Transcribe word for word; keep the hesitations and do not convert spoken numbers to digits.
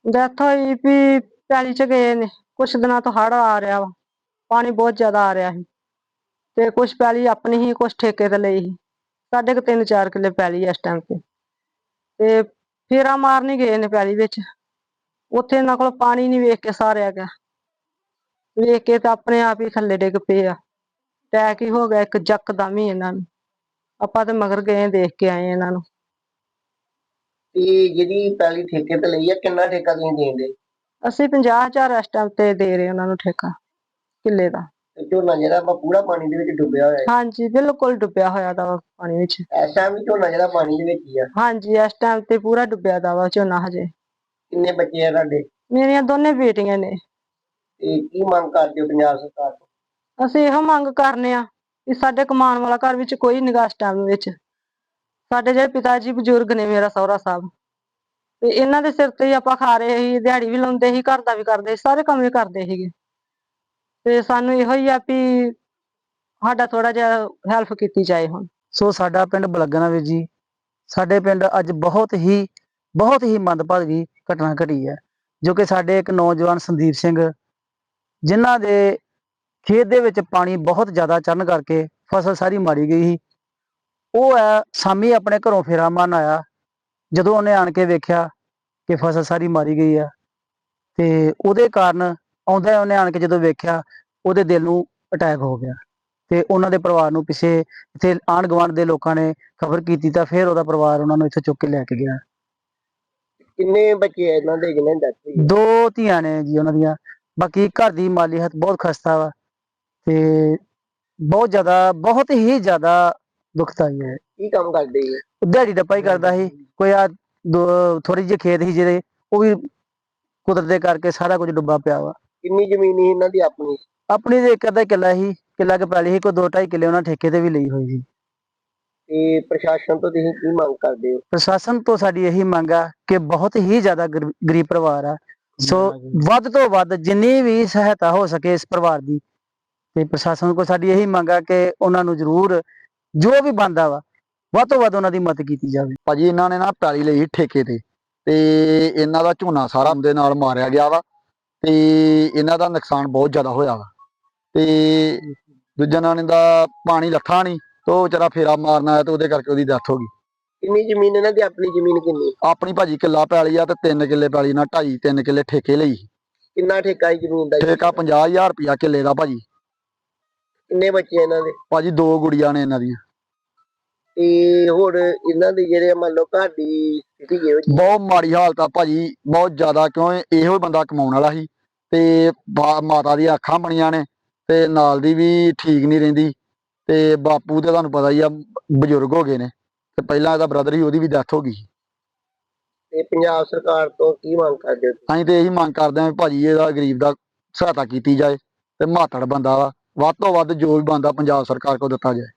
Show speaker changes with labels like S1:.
S1: Death ਹੋਈ ਵੀ ਪੈਲੀ ਚ ਗਏ ਨੇ। ਕੁਛ ਦਿਨਾਂ ਤੋਂ ਹੜ੍ਹ ਆ ਰਿਹਾ ਵਾ, ਪਾਣੀ ਬਹੁਤ ਜ਼ਿਆਦਾ ਆ ਰਿਹਾ ਸੀ ਤੇ ਕੁਛ ਪੈਲੀ ਆਪਣੀ ਹੀ, ਕੁਛ ਠੇਕੇ ਤੇ ਲਈ ਸੀ। ਸਾਡੇ ਕੁ ਤਿੰਨ ਚਾਰ ਕਿੱਲੇ ਪੈਲੀ ਇਸ ਟਾਈਮ ਤੇ ਤੇ ਫੇਰਾ ਮਾਰਨ ਹੀ ਗਏ ਨੇ ਪੈਲੀ ਵਿੱਚ। ਉੱਥੇ ਇਹਨਾਂ ਕੋਲ ਪਾਣੀ ਨੀ ਵੇਖ ਕੇ ਸਾਰਿਆ ਗਿਆ, ਵੇਖ ਕੇ ਤਾਂ ਆਪਣੇ ਆਪ ਹੀ ਥੱਲੇ ਡਿੱਗ ਪਏ ਆ। ਅਟੈਕ ਹੀ ਹੋ ਗਿਆ ਇੱਕ ਯਕਦਮ ਹੀ ਇਹਨਾਂ ਨੂੰ। ਆਪਾਂ ਤੇ ਮਗਰ ਗਏ, ਦੇਖ ਕੇ ਆਏ ਇਹਨਾਂ ਨੂੰ।
S2: ਤੇ ਜਿਹੜੀ ਪੈਲੀ ਠੇਕੇ ਤੇ ਲਈ ਆ, ਕਿੰਨਾ ਠੇਕਾ ਤੁਸੀਂ ਦੇਂਦੇ?
S1: ਅਸੀਂ ਪੰਜਾਹ ਹਜ਼ਾਰ ਇਸ ਟਾਈਮ ਤੇ ਦੇ ਰਹੇ ਉਹਨਾਂ ਨੂੰ ਠੇਕਾ ਕਿੱਲੇ ਦਾ।
S2: ਤੇ ਝੋਨਾ ਜਿਹੜਾ ਵਾ ਪੂਰਾ ਪਾਣੀ ਦੇ ਵਿੱਚ ਡੁੱਬਿਆ ਹੋਇਆ ਹੈ?
S1: ਹਾਂਜੀ ਬਿਲਕੁਲ ਡੁੱਬਿਆ ਹੋਇਆ ਦਾ ਵਾ ਪਾਣੀ ਵਿੱਚ।
S2: ਇਸ ਟਾਈਮ ਵੀ ਝੋਨਾ ਜਿਹੜਾ ਪਾਣੀ ਦੇ ਵਿੱਚ ਹੀ ਆ?
S1: ਹਾਂਜੀ ਇਸ ਟਾਈਮ ਤੇ ਪੂਰਾ ਡੁੱਬਿਆ ਦਾ ਵਾ ਝੋਨਾ ਹਜੇ।
S2: ਕਿੰਨੇ ਬੱਚੇ ਆ ਤੁਹਾਡੇ?
S1: ਮੇਰੀਆਂ ਦੋਨੇ ਬੇਟੀਆਂ ਨੇ।
S2: ਤੇ ਕੀ ਮੰਗ ਕਰਦੇ ਹੋ ਪੰਜਾਬ ਸਰਕਾਰ ਤੋਂ?
S1: ਅਸੀਂ ਇਹੋ ਮੰਗ ਕਰਨੇ ਆ ਕਿ ਸਾਡੇ ਕਮਾਉਣ ਵਾਲਾ ਘਰ ਵਿੱਚ ਕੋਈ ਨੀ ਗਾ ਇਸ ਟਾਈਮ ਵਿੱਚ। ਸਾਡੇ ਜਿਹੜੇ ਪਿਤਾ ਜੀ ਬਜ਼ੁਰਗ ਨੇ, ਮੇਰਾ ਸਹੁਰਾ ਸਾਹਿਬ, ਤੇ ਇਹਨਾਂ ਦੇ ਸਿਰ ਤੇ ਹੀ ਆਪਾਂ ਖਾ ਰਹੇ ਸੀ। ਦਿਹਾੜੀ ਵੀ ਲਾਉਂਦੇ ਸੀ, ਘਰ ਦਾ ਵੀ ਕਰਦੇ ਸੀ, ਸਾਰੇ ਕੰਮ ਵੀ ਕਰਦੇ ਸੀਗੇ। ਤੇ ਸਾਨੂੰ ਇਹੋ ਹੀ ਆ ਵੀ ਸਾਡਾ ਥੋੜਾ ਜਿਹਾ ਹੈਲਪ ਕੀਤੀ ਜਾਏ ਹੁਣ।
S3: ਸੋ ਸਾਡਾ ਪਿੰਡ ਬਲਗਣਾ ਵੀਰ ਜੀ, ਸਾਡੇ ਪਿੰਡ ਅੱਜ ਬਹੁਤ ਹੀ ਬਹੁਤ ਹੀ ਮੰਦਭਾਗੀ ਘਟਨਾ ਘਟੀ ਹੈ, ਜੋ ਕਿ ਸਾਡੇ ਇੱਕ ਨੌਜਵਾਨ ਸੰਦੀਪ ਸਿੰਘ, ਜਿਨ੍ਹਾਂ ਦੇ ਖੇਤ ਦੇ ਵਿੱਚ ਪਾਣੀ ਬਹੁਤ ਜ਼ਿਆਦਾ ਚੜ੍ਹਨ ਕਰਕੇ ਫਸਲ ਸਾਰੀ ਮਾਰੀ ਗਈ ਸੀ। ਉਹ ਹੈ ਸ਼ਾਮੀ ਆਪਣੇ ਘਰੋਂ ਫੇਰਾ ਮਾਰਨ ਆਇਆ, ਜਦੋਂ ਉਹਨੇ ਆਣ ਕੇ ਵੇਖਿਆ ਕਿ ਫਸਲ ਸਾਰੀ ਮਾਰੀ ਗਈ ਆ, ਤੇ ਉਹਦੇ ਕਾਰਨ ਆਉਂਦਾ ਉਹਨੇ ਆਣ ਕੇ ਜਦੋਂ ਵੇਖਿਆ, ਉਹਦੇ ਦਿਲ ਨੂੰ ਅਟੈਕ ਹੋ ਗਿਆ। ਤੇ ਉਹਨਾਂ ਦੇ ਪਰਿਵਾਰ ਨੂੰ ਪਿੱਛੇ ਇੱਥੇ ਆਂਢ ਗੁਆਂਢ ਦੇ ਲੋਕਾਂ ਨੇ ਖਬਰ ਕੀਤੀ, ਤਾਂ ਫਿਰ ਉਹਦਾ ਪਰਿਵਾਰ ਉਹਨਾਂ ਨੂੰ ਇੱਥੇ ਚੁੱਕ ਕੇ ਲੈ ਕੇ ਗਿਆ।
S2: ਕਿੰਨੇ ਬੱਚੇ ਆ ਇਹਨਾਂ ਦੇ ਜਿਹਨਾਂ ਦੀ ਡੈਥ ਹੋਈ?
S3: ਦੋ ਧੀਆਂ ਨੇ ਜੀ ਉਹਨਾਂ ਦੀਆਂ। ਬਾਕੀ ਘਰ ਦੀ ਮਾਲੀ ਹਾਲਤ ਬਹੁਤ ਖਸਤਾ ਵਾ ਤੇ ਬਹੁਤ ਜ਼ਿਆਦਾ ਬਹੁਤ ਹੀ ਜ਼ਿਆਦਾ ਦੁਖਦਾਈ ਹੈ।
S2: ਕੀ ਕੰਮ ਕਰਦੇ ਜੀ?
S3: ਦਿਹਾੜੀ ਡੱਪਾ ਹੀ ਕਰਦਾ ਸੀ। ਕੋਈ ਆ ਦੋ ਥੋੜੀ ਜਿਹੀ ਖੇਤ ਸੀ ਜਿਹੜੇ, ਉਹ ਵੀ ਕੁਦਰਤ ਦੇ ਕਰਕੇ ਸਾਰਾ ਕੁਝ ਡੁੱਬਾ ਪਿਆ ਵਾ।
S2: ਕਿੰਨੀ ਜ਼ਮੀਨ ਸੀ ਇਹਨਾਂ ਦੀ ਆਪਣੀ?
S3: ਆਪਣੀ ਤੇ ਇੱਕ ਅੱਧਾ ਕਿੱਲਾ ਸੀ, ਕਿੱਲਾ ਕੇ ਪੈਲੀ ਸੀ। ਕੋਈ ਦੋ ਢਾਈ ਕਿੱਲੇ ਉਹਨਾਂ ਠੇਕੇ ਤੇ ਵੀ ਲਈ ਹੋਈ ਸੀ।
S2: ਤੇ ਪ੍ਰਸ਼ਾਸਨ ਤੋਂ ਤੁਸੀਂ ਕੀ ਮੰਗ ਕਰਦੇ ਹੋ?
S3: ਪ੍ਰਸ਼ਾਸਨ ਤੋਂ ਸਾਡੀ ਇਹੀ ਮੰਗ ਆ ਕਿ ਬਹੁਤ ਹੀ ਜ਼ਿਆਦਾ ਗਰੀਬ ਪਰਿਵਾਰ ਆ, ਸੋ ਵੱਧ ਤੋਂ ਵੱਧ ਜਿੰਨੀ ਵੀ ਸਹਾਇਤਾ ਹੋ ਸਕੇ ਇਸ ਪਰਿਵਾਰ ਦੀ, ਤੇ ਪ੍ਰਸ਼ਾਸਨ ਕੋਲ ਸਾਡੀ ਇਹੀ ਮੰਗ ਆ ਕਿ ਉਹਨਾਂ ਨੂੰ ਜ਼ਰੂਰ ਜੋ ਵੀ ਬਣਦਾ ਵਾ ਵੱਧ ਤੋਂ ਵੱਧ ਉਹਨਾਂ ਦੀ ਮਦਦ ਕੀਤੀ ਜਾਵੇ।
S4: ਭਾਜੀ ਇਹਨਾਂ ਨੇ ਨਾ ਪੈਲੀ ਲਈ ਠੇਕੇ ਤੇ, ਤੇ ਇਹਨਾਂ ਦਾ ਝੋਨਾ ਸਾਰਾ ਦੇ ਨਾਲ ਮਾਰਿਆ ਗਿਆ ਵਾ, ਤੇ ਇਹਨਾਂ ਦਾ ਨੁਕਸਾਨ ਬਹੁਤ ਜ਼ਿਆਦਾ ਹੋਇਆ ਵਾ। ਤੇ ਦੂਜਾ ਨਾਂ ਦਾ ਪਾਣੀ ਲੱਥਾ ਨਹੀਂ, ਤੇ ਉਹ ਵਿਚਾਰਾ ਫੇਰਾ ਮਾਰਨ ਆਇਆ ਤੇ ਉਹਦੇ ਕਰਕੇ ਉਹਦੀ ਡੈਥ ਹੋ ਗਈ।
S2: ਕਿੰਨੀ ਜ਼ਮੀਨ ਇਹਨਾਂ ਦੀ ਆਪਣੀ? ਜ਼ਮੀਨ ਕਿੰਨੀ?
S4: ਆਪਣੀ ਭਾਜੀ ਕਿੱਲਾ ਪੈਲੀ ਆ, ਤੇ ਤਿੰਨ ਕਿੱਲੇ ਪੈਲੀ ਨਾਲ ਢਾਈ ਤਿੰਨ ਕਿੱਲੇ ਠੇਕੇ ਲਈ।
S2: ਕਿੰਨਾ ਠੇਕਾ ਹੈ ਜ਼ਮੀਨ ਦਾ?
S4: ਠੇਕਾ ਪੰਜਾਹ ਹਜ਼ਾਰ ਰੁਪਇਆ ਕਿੱਲੇ ਦਾ ਭਾਜੀ।
S2: ਕਿੰਨੇ ਬੱਚੇ ਇਹਨਾਂ ਦੇ?
S4: ਭਾਜੀ ਦੋ ਗੁੜੀਆਂ ਨੇ ਇਹਨਾਂ ਦੀਆਂ।
S2: ਤੇ ਹੋਰ ਇਹਨਾਂ ਦੇ ਜਿਹੜੇ ਮੰਨ ਲਓ ਘਰ ਦੀ ਸਥਿਤੀ ਕਿਹੋ ਜਿਹੀ?
S4: ਬਹੁਤ ਮਾੜੀ ਹਾਲਤ ਆ ਭਾਜੀ, ਬਹੁਤ ਜ਼ਿਆਦਾ। ਕਿਉਂ ਇਹੋ ਬੰਦਾ ਕਮਾਉਣ ਵਾਲਾ ਸੀ, ਤੇ ਮਾਤਾ ਦੀਆਂ ਅੱਖਾਂ ਬਣੀਆਂ ਨੇ, ਤੇ ਨਾਲ ਦੀ ਵੀ ਠੀਕ ਨਹੀਂ ਰਹਿੰਦੀ, ਤੇ ਬਾਪੂ ਤੇ ਤੁਹਾਨੂੰ ਪਤਾ ਹੀ ਆ ਬਜ਼ੁਰਗ ਹੋ ਗਏ ਨੇ, ਤੇ ਪਹਿਲਾਂ ਇਹਦਾ ਬ੍ਰਦਰ ਸੀ, ਉਹਦੀ ਵੀ ਡੈਥ ਹੋ ਗਈ।
S2: ਤੇ ਪੰਜਾਬ ਸਰਕਾਰ ਤੋਂ ਕੀ ਮੰਗ ਕਰਦੇ ਹੋ?
S4: ਅਸੀਂ ਤੇ ਇਹੀ ਮੰਗ ਕਰਦੇ ਹਾਂ ਭਾਜੀ, ਇਹਦਾ ਗਰੀਬ ਦਾ ਸਹਾਇਤਾ ਕੀਤੀ ਜਾਏ, ਤੇ ਮਾਤੜ ਬੰਦਾ ਵਾ, ਵੱਧ ਤੋਂ ਵੱਧ ਜੋ ਵੀ ਬੰਦਾ ਪੰਜਾਬ ਸਰਕਾਰ ਕੋਲ ਦਿੱਤਾ ਜਾਏ।